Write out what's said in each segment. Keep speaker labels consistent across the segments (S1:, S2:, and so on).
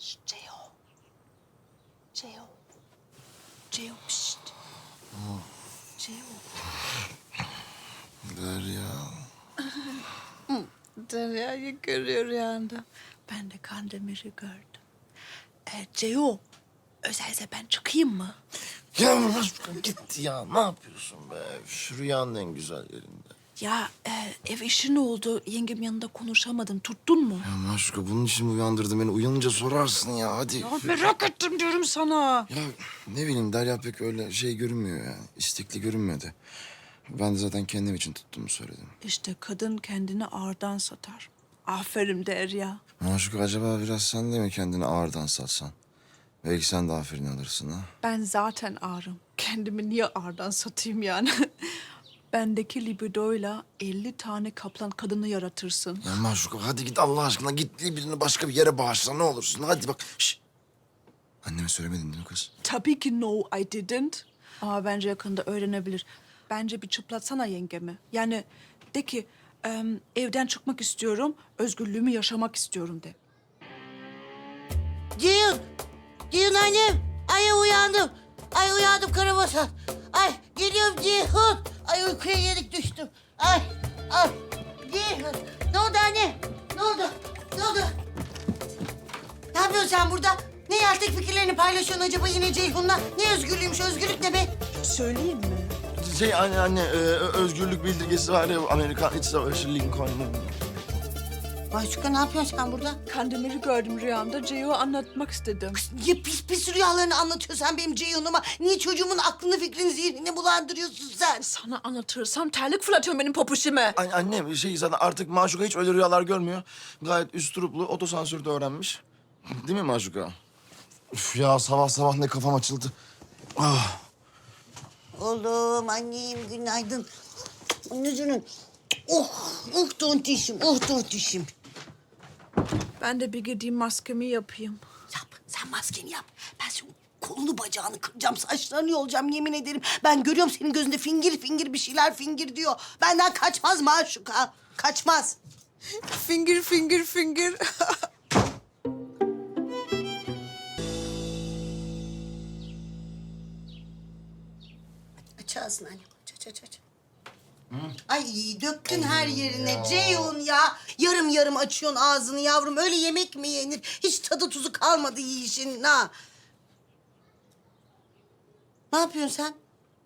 S1: Ceo. Ceo. Ceo, pişt. Ceo.
S2: Derya.
S1: Derya'yı görüyor rüyanda. Ben de Kandemir'i gördüm. Ceo, özelse ben çıkayım mı?
S2: Ya Maşuka git ya. Ne yapıyorsun be? Şu rüyanın en güzel yerinde.
S1: Ya ev işi ne oldu? Yengem yanında konuşamadım. Tuttun mu?
S2: Ya Maşuka bunun için mi uyandırdın beni? Uyanınca sorarsın ya hadi.
S1: Ya merak ettim diyorum sana.
S2: Ya ne bileyim Derya pek öyle şey görünmüyor yani. İstekli görünmedi. Ben de zaten kendim için tuttuğumu söyledim.
S1: İşte kadın kendini ağırdan satar. Aferin Derya.
S2: Maşuka acaba biraz sen de mi kendini ağırdan satsan? Belki sen de aferin alırsın ha.
S1: Ben zaten ağrım. Kendimi niye ağırdan satayım yani? Bendeki libidoyla 50 tane kaplan kadını yaratırsın.
S2: Ya Maşuka hadi git Allah aşkına git birini başka bir yere bağışla ne olursun. Hadi bak. Şişt. Anneme söylemedin değil mi kız?
S1: Tabii ki no, I didn't. Ama bence yakında öğrenebilir. Bence bir çıplatsana yengemi. Yani de ki evden çıkmak istiyorum, özgürlüğümü yaşamak istiyorum de.
S3: Ceyhun! Ceyhun annem! Ay uyandım. Ay uyandım Karabasan. Ay geliyorum Ceyhun. Ay uykuya yenik düştüm. Ay Ceyhun. Ne oldu anne? Ne oldu? Ne oldu? Ne yapıyorsun sen burada? Ne yeltek fikirlerini paylaşıyorsun acaba yine Ceyhun'la? Ne özgürlüğümüş, özgürlük ne be?
S1: Söyleyeyim mi?
S2: Anne özgürlük bildirgesi var ya Amerikan İç Savaşı Lincoln'un.
S3: Maşuka ne yapıyorsun sen burada?
S1: Kandemir'i gördüm rüyamda. Ceyo'ya anlatmak istedim.
S3: Niye pis rüyalarını anlatıyorsun sen benim Ceyhun'uma? Niye çocuğumun aklını fikrini zihnini bulandırıyorsun sen?
S1: Sana anlatırsam terlik fırlatıyorum benim popuşime.
S2: Annem zaten artık Maşuka hiç öyle rüyalar görmüyor. Gayet üstruplu, otosansürde öğrenmiş. Değil mi Maşuka? Üf ya sabah sabah ne kafam açıldı. Ah.
S3: Oğlum, annem günaydın. Anneciğim. Oh tontişim, oh tontişim.
S1: Ben de bir gideyim maskemi yapayım.
S3: Yap, sen maskeni yap. Ben senin kolunu bacağını kıracağım, saçlarını yolacağım yemin ederim. Ben görüyorum senin gözünde fingir fingir bir şeyler fingir diyor. Benden kaçmaz Maşuka, kaçmaz.
S1: Finger, finger, finger.
S3: Aç ağzını anne, aç. Ay döktün her yerine Ceyhun ya. Yarım yarım açıyorsun ağzını yavrum. Öyle yemek mi yenir? Hiç tadı tuzu kalmadı yiyişin ha. Ne yapıyorsun sen?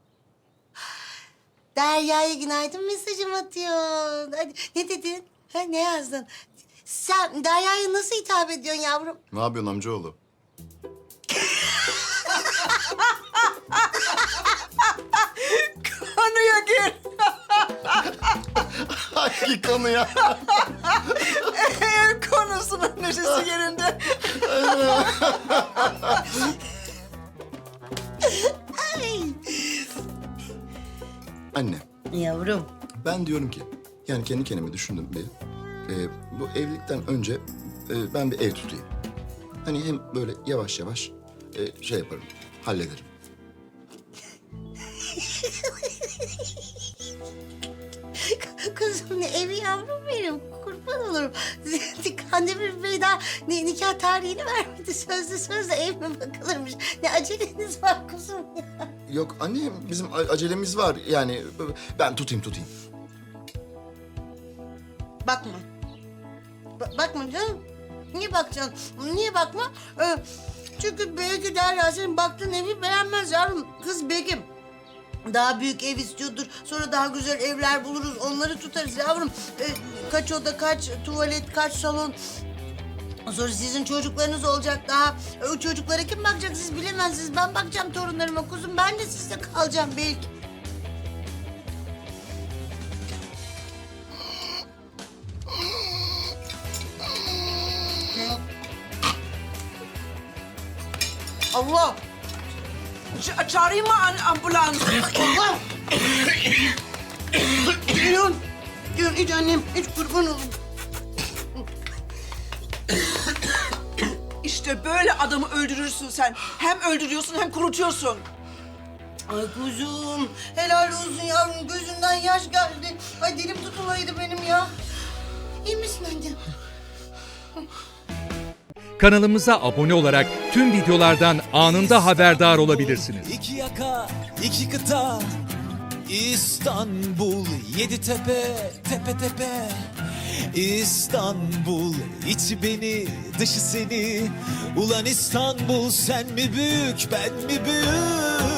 S3: Derya'ya günaydın mesajım atıyorsun. Hadi, ne dedin? Ha, ne yazdın? Sen Derya'ya nasıl hitap ediyorsun yavrum?
S2: Ne yapıyorsun amcaoğlu?
S1: Konuya gir.
S2: Hangi konu ya?
S1: Ev konusunun neşesi yerinde.
S2: Anne,
S3: Yavrum.
S2: ben diyorum ki, yani kendi kendime düşündüm bir. Bu evlilikten önce ben bir ev tutayım. Hani hem böyle yavaş yavaş şey yaparım, hallederim.
S3: Kızım ne evi yavrum benim. Kurban olurum. Kandemir Bey daha nikah tarihini vermedi. Sözlü ev mi bakılırmış. Ne aceleniz var kuzum ya.
S2: Yok anne, bizim acelemiz var. Yani ben tutayım.
S3: Bakma. Bakma canım. Niye bakacaksın? Niye bakma? Çünkü belki Derya senin baktığın evi beğenmez yavrum. Kız Begüm. Daha büyük ev istiyordur. Sonra daha güzel evler buluruz. Onları tutarız yavrum. Kaç oda, kaç tuvalet, kaç salon. Sonra sizin çocuklarınız olacak daha. O çocuklara kim bakacak siz bilemezsiniz. Ben bakacağım torunlarıma kuzum. Ben de sizde kalacağım belki. Allah!
S1: Çağırayım mı ambulans?
S3: Allah! Geliyorum. Gel iç annem, iç kurban olayım.
S1: İşte böyle adamı öldürürsün sen. Hem öldürüyorsun hem kurutuyorsun.
S3: Ay kuzum, helal olsun yavrum. Gözünden yaş geldi. Ay dilim tutulaydı benim ya. İyi misin annem?
S4: kanalımıza abone olarak tüm videolardan anında haberdar olabilirsiniz.
S5: İki yaka, iki kıta, İstanbul, yedi tepe, tepe tepe. İstanbul, içi beni, dışı seni. Ulan İstanbul, sen mi büyük, ben mi büyük?